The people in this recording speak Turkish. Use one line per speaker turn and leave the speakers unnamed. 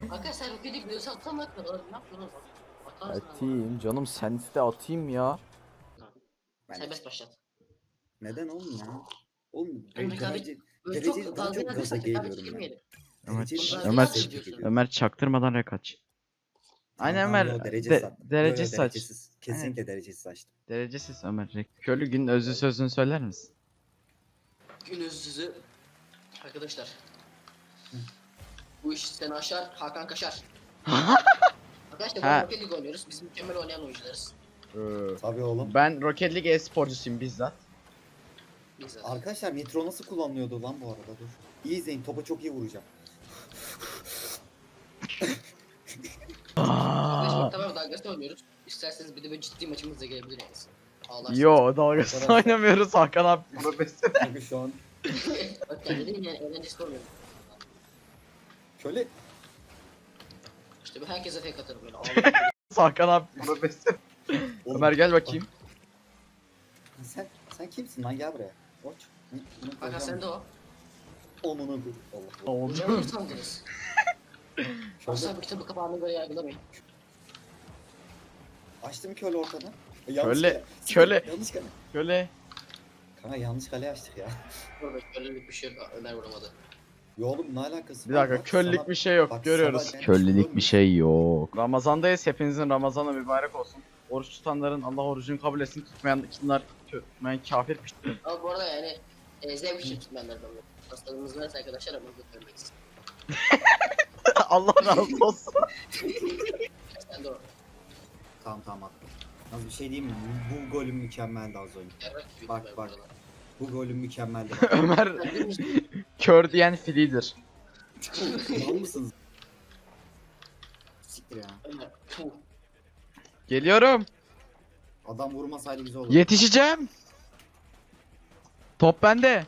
Arkadaşlar sen roketi biliyorsan atsana kadar ne yapıyorsun? Atarsın ama.
Atayım canım, senste atayım ya.
Serbest başlat.
Neden oğlum ya? Oğlum
Ömer böyle
derece
çok
daha
dalga
çok gaza
rekabet
geliyorum ben.
girmeyelim.
Ömer,
Dereceyle daha
Ömer,
çok gaza geliyorum.
Ömer çaktırmadan rek aç. Aynen
Tamam,
Ömer,
yo, derecesiz attım. Yo,
derecesiz aç.
derecesiz. Kesinlikle derecesiz açtım.
Derecesiz Ömer. Köylü gün özlü sözünü söyler misin?
Gün özsüzü. Arkadaşlar. Bu iş seni aşar, Hakan kaşar. Arkadaşlar
Ha.
bu Rocket League oynuyoruz. Biz mükemmel oynayan oyuncularız.
Tabii oğlum.
Ben Rocket League e-sporcusuyum bizzat.
Biz zaten.
Arkadaşlar nitro nasıl kullanılıyordu lan bu arada? Dur. İyi izleyin, topa çok iyi vuracağım.
Arkadaşlar tamam dalgasını oynuyoruz. İsterseniz bir de böyle ciddi maçımız da gelebilir yani. Ağlarsınız.
Yo, dalgasını
Arkadaşlar.
oynamıyoruz Hakan abi. Profesyonel.
Çünkü şu an
Bak kendine yani eğlencesi olmuyor.
şöyle
İşte ben herkese fake atarım böyle. Ağlarım.
Hakan abi profesyonel.
oğlum,
Ömer gel bakayım.
sen kimsin lan, gel buraya. Koç.
Hakan sen de o.
Onunu dur. Allah Allah.
Oldu.
Hocam sandınız.
Şöyle
Asla bu kitabı kapağına göre yargılamayın.
açtım köle ortadan.
Köle,
kale.
köle.
Yanlış kale.
Şöyle.
Kanka yanlış kale açtık ya.
Burada kölelik bir şey yok. Ömer vuramadı.
Yo oğlum, ne alakası
Bir
var
dakika,
lan?
köllük
Sana-
bir şey yok.
bak,
Görüyoruz.
sana ben
Köllülük
çıkıyorum.
bir şey yok. Ramazandayız. Hepinizin Ramazanı mübarek olsun. Oruç tutanların Allah orucunu kabul etsin. Tutmayan kafir.
Ama bu arada yani zevk için tutmayanlardan da. Hastalığımız varsa arkadaşlar ama götürmeyiz.
Allah razı olsun.
Sen de o.
Tamam attım. Nasıl bir şey diyeyim mi? Bu golüm mükemmeldi az önce.
Yarrak gibi
Bak,
ben
bak.
buralar.
Bu golüm mükemmeldi.
Ömer
Ben dümdüz
kör diyen filidir.
Mal mısınız? Siktir ya.
Ömer. Puh.
Geliyorum.
Adam vurmasaydı güzel olurdu.
Yetişeceğim. Top bende.